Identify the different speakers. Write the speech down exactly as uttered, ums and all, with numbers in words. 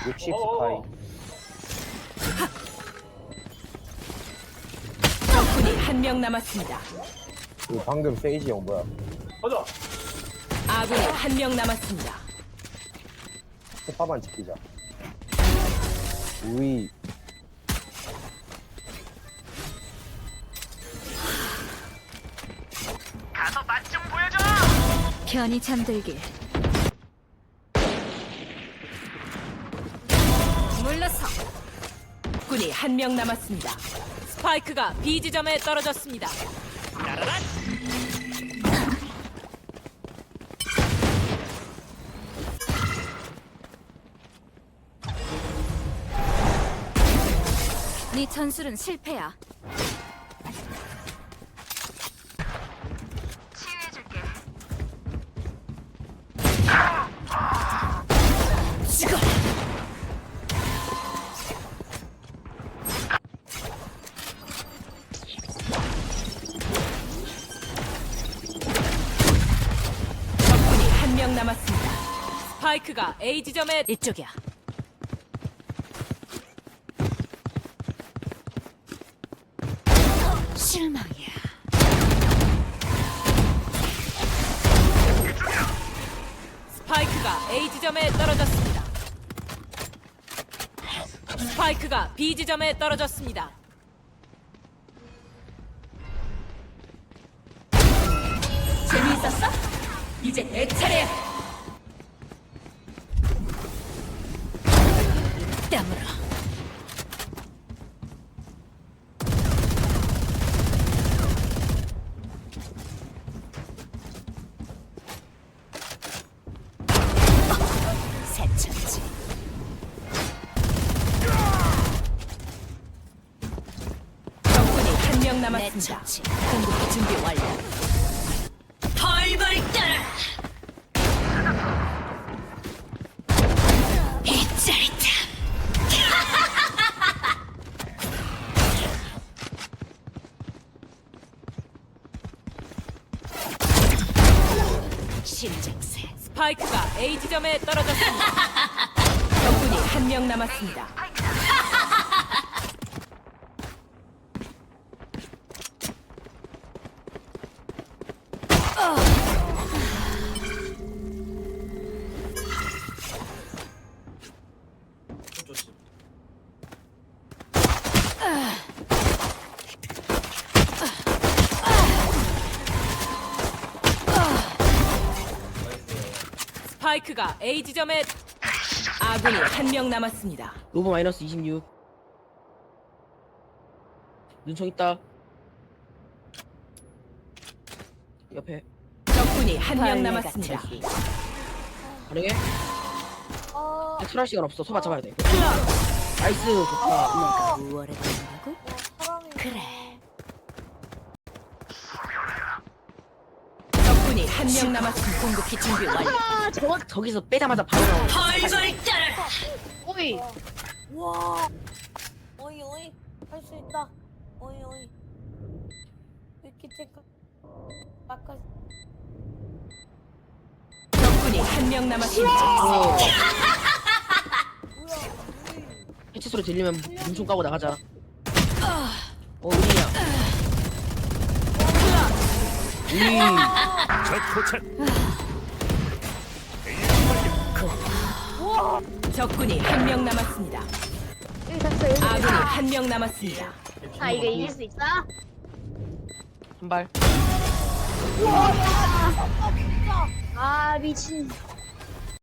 Speaker 1: 육십 스파이.
Speaker 2: 적군이 한 명 남았습니다.
Speaker 1: 그 방금 세이지 형 뭐야?
Speaker 3: 가자.
Speaker 2: 아군이 한 명 남았습니다.
Speaker 1: 소파만 지키자. 우이.
Speaker 3: 가서 맛 좀 보여줘.
Speaker 4: 편히 잠들길. 물러서.
Speaker 2: 적군이 한 명 남았습니다. 스파이크가 B 지점에 떨어졌습니다.
Speaker 3: 따라란.
Speaker 4: 네 전술은 실패야. 치유해줄게. 죽어.
Speaker 2: 적군이 한 명 남았습니다. 스파이크가 A 지점에
Speaker 4: 이쪽이야. 실망이야.
Speaker 2: 스파이크가 A 지점에 떨어졌습니다. 스파이크가 B 지점에 떨어졌습니다.
Speaker 4: 재미있었어? 이제 내 차례야. 땀으로. 새천지.
Speaker 2: 적군이 한 명
Speaker 4: 내
Speaker 2: 남았습니다.
Speaker 4: 처치. 공격기 준비 완료. 벌벌 떨어라. 이 짜릿함. 심장새.
Speaker 2: 스파이크가 A 지점에 떨어졌습니다. 적군이 한 명 남았습니다.
Speaker 3: 좋지.
Speaker 2: 스파이크가 A 지점에 아군이 한 명 남았습니다.
Speaker 5: 로브 마이너스 이십육. 눈총 있다. 옆에
Speaker 2: 적군이 한 명
Speaker 4: 벌레
Speaker 2: 남았습니다.
Speaker 4: 같은
Speaker 5: 가능해?
Speaker 6: 어,
Speaker 5: 출할 시간 없어. 소바 잡아야 돼. 나이스 좋다.
Speaker 4: 우월해 보인다고?
Speaker 6: 사람이
Speaker 4: 그래.
Speaker 2: 적군이 한 명 남았습니다.
Speaker 4: 공격기 준비 완료.
Speaker 5: 아, 저 저기서 빼자마자 바로 나와.
Speaker 4: 벌벌 떨어라.
Speaker 5: 오이.
Speaker 6: 와, 어이 어이 할 수 있다. 어이 어이. 이렇게 체크. 아까
Speaker 2: 적군이 한 명 남았습니다.
Speaker 5: 어,
Speaker 6: 뭐야?
Speaker 5: 해체 소리 들리면 눈총 까고 나가자. 어 우리야. 우리
Speaker 3: 적 포착.
Speaker 2: 적군이 한 명 남았습니다. 아군이 한 명 남았습니다.
Speaker 7: 아 이거 이길 수 있어?
Speaker 5: 한 발.
Speaker 7: 아 미친